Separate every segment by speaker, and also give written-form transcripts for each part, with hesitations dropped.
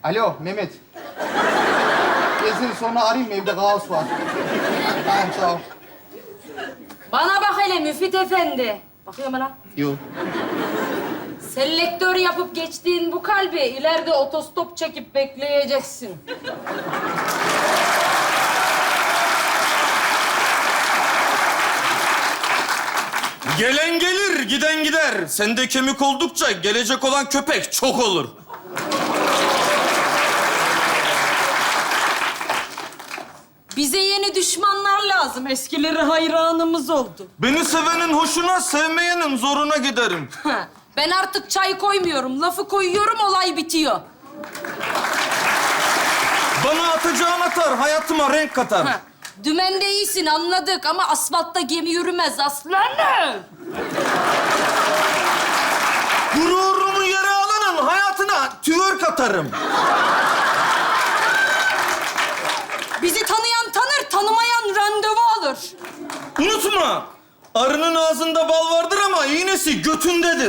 Speaker 1: Alo Mehmet. Ben seni sonra arayayım mı? Evde kaos var. Tamam sağ ol.
Speaker 2: Bana bak hele Müfit Efendi. Bakıyor mu lan?
Speaker 1: Yok.
Speaker 2: Selektör yapıp geçtiğin bu kalbi ileride otostop çekip bekleyeceksin.
Speaker 3: Gelen gelir, giden gider. Sende kemik oldukça gelecek olan köpek çok olur.
Speaker 2: Bize yeni düşmanlar lazım. Eskileri hayranımız oldu.
Speaker 3: Beni sevenin hoşuna, sevmeyenin zoruna giderim.
Speaker 2: Ben artık çay koymuyorum. Lafı koyuyorum, olay bitiyor.
Speaker 3: Bana atacağın atar, hayatıma renk katar.
Speaker 2: Dümende iyisin anladık ama asfaltta gemi yürümez aslanım.
Speaker 3: Gururumu yere alanın hayatına tüvör katarım.
Speaker 2: Bizi tanıyan tanır, tanımayan randevu alır.
Speaker 3: Unutma, arının ağzında bal vardır ama iğnesi götündedir.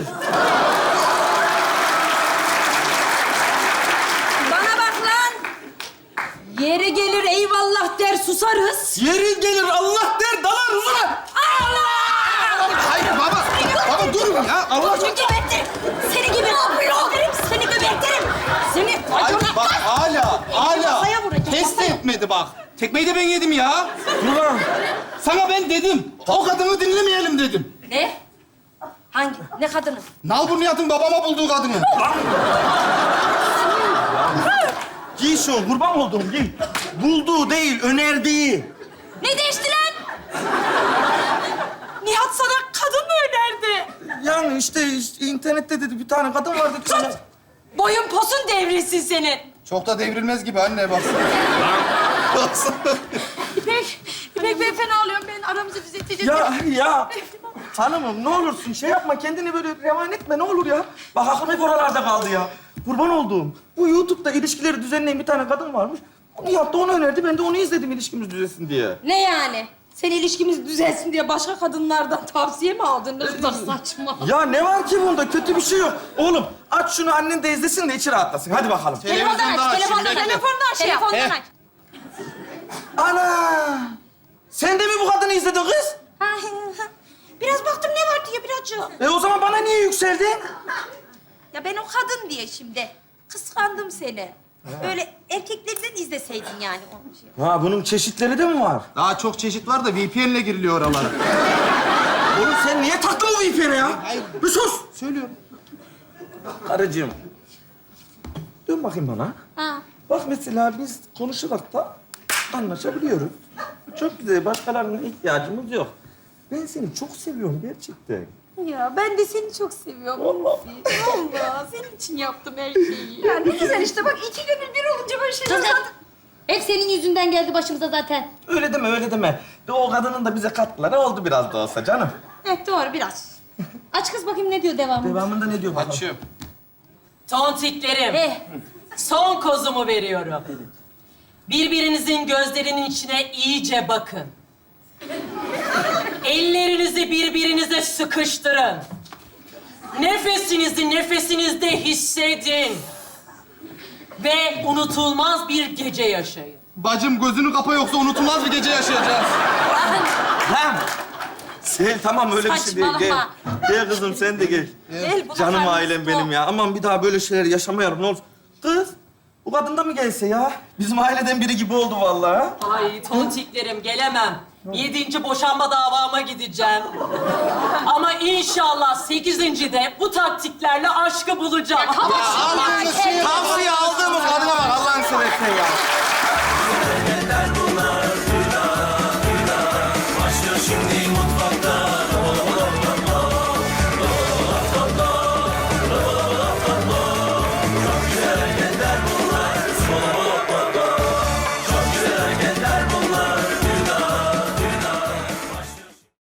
Speaker 2: Bana bak lan. Yeri gelir eyvallah der susarız.
Speaker 3: Yeri gelir Allah der dalar huzura.
Speaker 1: Hayır baba. Baba dur ya. Allah aşkına.
Speaker 2: Seni gebertirim. Seni gebertirim. Seni gebertirim. Seni...
Speaker 1: Hayır bak hala.
Speaker 2: Kafaya vuracağım,
Speaker 1: Test
Speaker 2: kafaya.
Speaker 1: etmedi bak. Tekmeyi de ben yedim ya.
Speaker 3: Ulan.
Speaker 1: Sana ben dedim. O kadını dinlemeyelim dedim.
Speaker 2: Ne? Hangi? Ne kadını?
Speaker 1: Nalburniyat'ın babama bulduğu kadını.
Speaker 3: Giy şu, kurban olduğum giy. Bulduğu değil, önerdiği.
Speaker 2: Ne değişti lan? Nihat sana kadın mı önerdi?
Speaker 3: Yani işte internette dedi bir tane kadın var dedi.
Speaker 2: Tut! Boyun posun devrilsin senin.
Speaker 1: Çok da devrilmez gibi anne bak.
Speaker 2: İpek ben fena alıyorum. Ben aramızı düzelteceğiz.
Speaker 3: Ya hanımım ne olursun şey yapma kendini böyle revan etme ne olur ya. Bak aklım hep oralarda kaldı ya. Kurban olduğum. Bu YouTube'da ilişkileri düzenleyen bir tane kadın varmış. Nihat da onu önerdi ben de onu izledim ilişkimiz düzelsin diye.
Speaker 2: Ne yani? Sen ilişkimiz düzelsin diye başka kadınlardan tavsiye mi aldın? Ne kadar saçma.
Speaker 3: Ya ne var ki bunda kötü bir şey yok. Oğlum aç şunu annen de izlesin de içi rahatlasın. Hadi bakalım.
Speaker 2: Telefondan aç, telefondan şey yap. Telefondan aç.
Speaker 3: Ana! Sen de mi bu kadını izledin kız?
Speaker 2: Biraz baktım ne var diye birazcık.
Speaker 3: O zaman bana niye yükseldin?
Speaker 2: Ya ben o kadın diye şimdi kıskandım seni. Böyle erkeklerden izleseydin yani onu şey.
Speaker 3: Ha bunun çeşitleri de mi var?
Speaker 1: Daha çok çeşit var da VPN'le giriliyor oralara.
Speaker 3: Oğlum sen niye taktın o VPN'e ya?
Speaker 1: Hayır.
Speaker 3: Bir sus!
Speaker 1: Söylüyorum.
Speaker 3: Karıcığım. Dön bakayım bana.
Speaker 2: Ha.
Speaker 3: Bak mesela biz konuşarak da anlaşabiliyoruz. Çok güzel. Başkalarına ihtiyacımız yok. Ben seni çok seviyorum gerçekten.
Speaker 2: Ya ben de seni çok seviyorum.
Speaker 3: Vallahi.
Speaker 2: Vallahi senin için yaptım her şeyi. Ya ne güzel işte bak iki gönül bir olunca böyle şeyler zaten.
Speaker 4: Hep senin yüzünden geldi başımıza zaten.
Speaker 3: Öyle deme, öyle deme. De o kadının da bize katkıları oldu biraz da olsa canım.
Speaker 2: Evet doğru biraz.
Speaker 4: Aç kız bakayım ne diyor devamında.
Speaker 3: Devamında ne diyor bakalım?
Speaker 1: Açıyorum.
Speaker 5: Tontiklerim, son kozumu veriyorum. Birbirinizin gözlerinin içine iyice bakın. Ellerinizi birbirinize sıkıştırın. Nefesinizi nefesinizde hissedin. Ve unutulmaz bir gece yaşayın.
Speaker 1: Bacım gözünü kapa yoksa unutulmaz bir gece yaşayacağız.
Speaker 3: Lan! Sen tamam öyle bir şey değil. Gel.
Speaker 2: Saçmalama.
Speaker 3: Gel kızım sen de gel.
Speaker 2: Gel, bu
Speaker 3: Canım
Speaker 2: kadar
Speaker 3: ailem
Speaker 2: mutlu.
Speaker 3: benim ya. Aman bir daha böyle şeyler yaşamayalım ne olur. Kız, bu kadın da mı gelse ya? Bizim aileden biri gibi oldu vallahi. Ha?
Speaker 5: Ay tontiklerim gelemem. 7. boşanma davama gideceğim. Ama inşallah 8. de bu taktiklerle aşkı bulacağım.
Speaker 1: Tavsiye aldığımız kadına bak Allah'ını seversen ya.